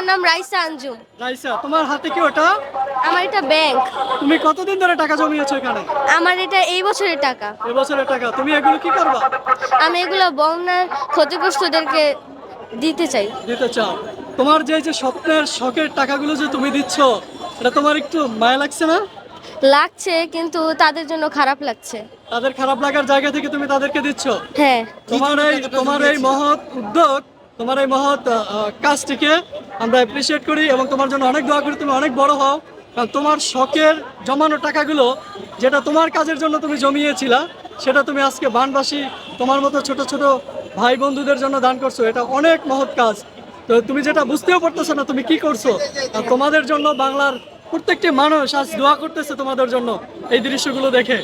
নাম রাইসা আঞ্জুম। রাইসা, তোমার হাতে কি ওটা? আমার এটা ব্যাংক। তুমি কতদিন ধরে টাকা জমিয়েছো এখানে? আমার এটা এই বছরের টাকা। এবছরের টাকা। তুমি এগুলো কি করবা? আমি এগুলো বন্যার ক্ষতিগ্রস্তদেরকে দিতে চাই। দিতে চাও? তোমার যে যে স্বপ্নের শখের টাকাগুলো যে তুমি দিচ্ছ, এটা তোমার একটু মায়া লাগছে না? লাগছে, কিন্তু তাদের জন্য খারাপ লাগছে। তাদের খারাপ লাগার জায়গা থেকে তুমি তাদেরকে দিচ্ছ। হ্যাঁ। তোমার এই মহৎ উদ্যোগ, তোমার এই মহৎ কাজটিকে আমরা অ্যাপ্রিসিয়েট করি এবং তোমার জন্য অনেক দোয়া করি, তুমি অনেক বড় হও। কারণ তোমার শখের জমানো টাকাগুলো, যেটা তোমার কাজের জন্য তুমি জমিয়েছিলা, সেটা তুমি আজকে বানবাসী তোমার মতো ছোট ছোট ভাই বন্ধুদের জন্য দান করছো। এটা অনেক মহৎ কাজ। তো তুমি যেটা বুঝতেও পারতেছো না তুমি কি করছো, আর তোমাদের জন্য বাংলার প্রত্যেকটি মানুষ আজ দোয়া করতেছে তোমাদের জন্য এই দৃশ্যগুলো দেখে।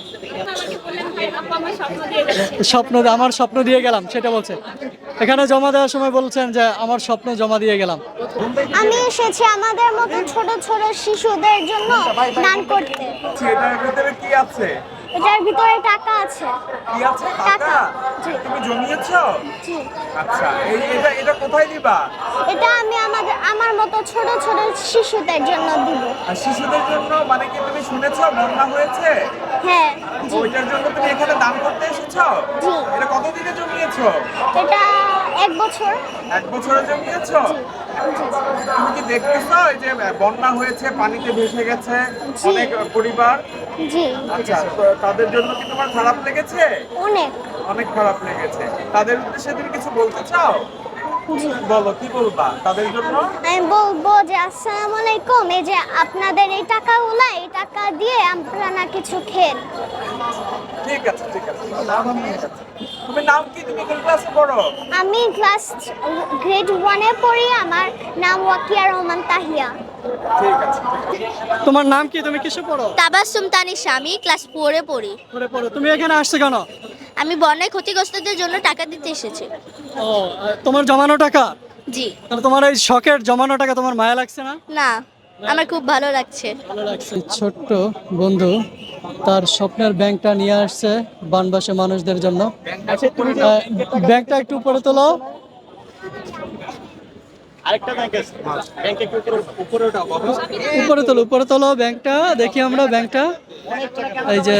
আমার স্বপ্ন দিয়ে গেলাম সেটা বলছে। এখানে জমা দেওয়ার সময় বলছেন যে আমার স্বপ্ন জমা দিয়ে গেলাম। আমি এসেছি আমাদের মতো ছোট ছোট শিশুদের জন্য দান করতে। এটার ভিতরে কি আছে? এটার ভিতরে টাকা আছে। কি আছে? টাকা। জি। তুমি জমিয়েছো? জি। আচ্ছা, এটা কোথায় দিবা? এটা আমি আমার মতো ছোট ছোট শিশুদের জন্য দিব। আর শিশুদের জন্য মানে কি তুমি শুনেছো বন্যা হয়েছে? হ্যাঁ। জি। ওইটার জন্য তুমি এখানে দান করতে এসেছো? জি। এটা কতদিনে জমিয়েছো? এটা 1 বছর। 1 বছরে জমিয়েছো? তুমি কি দেখতেছো এই যে বন্যা হয়েছে, পানিতে ভেসে গেছে জি। অনেক পরিবার? জি। আচ্ছা, তো তাদের জন্য কি তোমার খারাপ লেগেছে? অনেক। অনেক খারাপ লেগেছে। তাদের উদ্দেশ্যে তুমি কিছু বলতে চাও? জি। বলো, কি বলবা তাদের জন্য? আমি বলবো যে আসসালামু আলাইকুম, এই যে আপনাদের এই টাকাগুলো, এই টাকা দিয়ে আপনারা কিছু খেন। ঠিক আছে, ঠিক আছে। তুমি নাম কি? তুমি কোন ক্লাসে পড়ো? আমি গ্রেড 1 এ পড়ি। আমার নাম ওয়াকিয়া রহমান তাহিয়া। ঠিক আছে। তোমার নাম কি? তুমি কিসে পড়ো? তাবাসসুম তানিশা, আমি ক্লাস 4 এ পড়ি। পড়ে পড়ো। তুমি এখানে আসছো কেন? আমি বন্যায় ক্ষতিগ্রস্তদের জন্য টাকা দিতে এসেছি। ও, তোমার জমানো টাকা? জি। তাহলে তোমার এই শখের জমানো টাকা তোমার মায়া লাগছে না? না, আমার খুব ভালো লাগছে। ভালো লাগছে। ছোট্ট বন্ধু তার স্বপ্নের ব্যাংকটা নিয়ে আসছে বানবাসী মানুষদের জন্য। ব্যাংকটা একটু উপরে তোলো। উপরে তোলো ব্যাংকটা, দেখি আমরা ব্যাংকটা। এই যে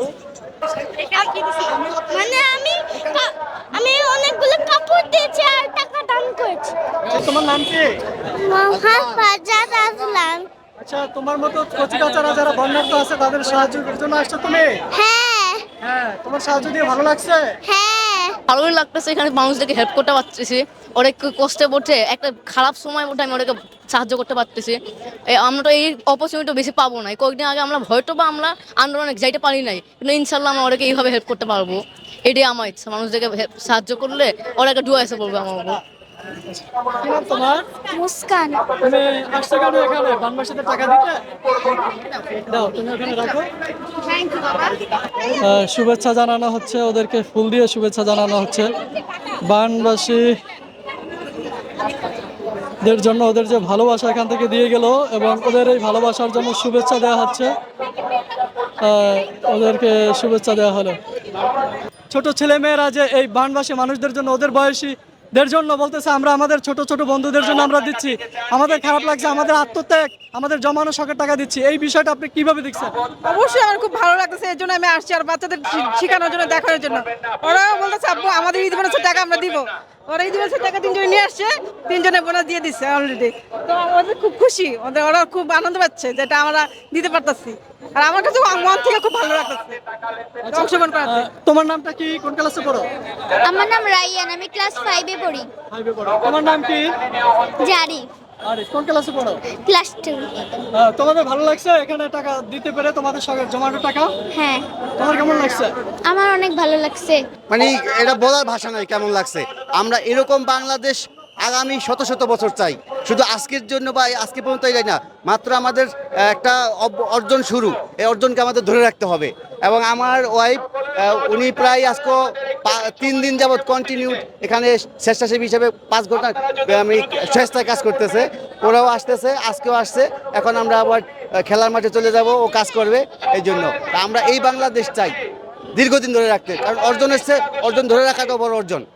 মানে আমি অনেকগুলো কাপড় দিয়েছি আর টাকা দান করেছি। তোমার নাম কি? মোহাম্মদ ফারজাদ আসলাম। আচ্ছা, তোমার মতো কচিকাচারা যারা বন্যার্থ আছে তাদের সাহায্যের জন্য আসছো তুমি? হ্যাঁ। হ্যাঁ, তোমার সাহায্য দিয়ে ভালো লাগছে? হ্যাঁ। ভালোই লাগতেছে, এখানে মানুষদেরকে হেল্প করতে পারতেছি। অনেক কষ্টে পড়ছে, একটা খারাপ সময় মধ্যে আমি ওদেরকে সাহায্য করতে পারতেছি। আমরা তো এই অপরচুনিটি বেশি পাবো না। কয়েকদিন আগে আমরা হয়তো বা আমরা আন্দোলনে যাইতে পারি নাই, কিন্তু ইনশাল্লাহ আমরা ওদেরকে এইভাবে হেল্প করতে পারবো। এটাই আমার ইচ্ছা, মানুষদেরকে সাহায্য করলে ওরা একটা ডুয়া এসে পড়বে আমার উপর। কি নাম তোমার? মুস্কান। তুমি আসছো কেন এখানে বানবাসীদের টাকা দিতে? দাও, তুমি ওখানে রাখো। শুভেচ্ছা জানানো হচ্ছে, ওদেরকে ফুল দিয়ে শুভেচ্ছা জানানো হচ্ছে। বানবাসীদের জন্য ওদের যে ভালোবাসা এখান থেকে দিয়ে গেল এবং ওদের এই ভালোবাসার জন্য শুভেচ্ছা দেওয়া হচ্ছে। ওদেরকে শুভেচ্ছা দেওয়া হলো। ছোট ছেলে মেয়েরা যে এই বানবাসী মানুষদের জন্য, ওদের বয়সীদের জন্য বলতেছে আমরা আমাদের ছোট ছোট বন্ধুদের জন্য আমরা দিচ্ছি, আমাদের খারাপ লাগছে, আমাদের আত্মত্যাগ, আমাদের জমানো শখের টাকা দিচ্ছি। এই বিষয়টা আপনি কিভাবে দেখছেন? অবশ্যই আমার খুব ভালো লাগতেছে, এর জন্য আমি আসছি আর বাচ্চাদের শেখানোর জন্য, দেখানোর জন্য। ওরা বলতেছে আব্বু আমাদের ঈদ বোনাসের টাকা আমরা দিব। ওরা ঈদ বোনাসের টাকা 3 জনে নিয়ে আসছে, 3 জনের বোনাস দিয়ে দিচ্ছে অলরেডি। তো ওদের খুব খুশি, ওরা খুব আনন্দ পাচ্ছে যেটা আমরা দিতে পারতাছি। আর আমার কাছে মন থেকে খুব ভালো লাগতেছে অংশগ্রহণ করাতে। তোমার নামটা কি? কোন ক্লাসে পড়ো? আমার নাম রাইয়ান, আমি ক্লাস 5 এ পড়ি। তোমার নাম কি? জারি, আরে কোন ক্লাসে পড়ো? ক্লাস 2। তোমাদের ভালো লাগছে এখানে টাকা দিতে পেরে, তোমাদের শখের জমানো টাকা? হ্যাঁ, তোমার কেমন লাগছে? আমার অনেক ভালো লাগছে। মানে এটা বলার ভাষা নয় কেমন লাগছে। আমরা এরকম বাংলাদেশ আগামী শত শত বছর চাই, শুধু আজকের জন্য বা আজকে পর্যন্ত এটাই না, মাত্র আমাদের একটা অর্জন শুরু, এই অর্জনকে আমাদের ধরে রাখতে হবে। এবং আমার ওয়াইফ উনি প্রায় আজকে 3 দিন যাবৎ কন্টিনিউ এখানে স্বেচ্ছাসেবী হিসেবে 5 ঘন্টা আমি স্বেচ্ছায় কাজ করতেছে। ওরাও আসতেছে, আজকেও আসছে। এখন আমরা আবার খেলার মাঠে চলে যাব, ও কাজ করবে। এই জন্য আমরা এই বাংলাদেশ চাই দীর্ঘদিন ধরে রাখতে, কারণ অর্জন এসছে, অর্জন ধরে রাখাটাও বড় অর্জন।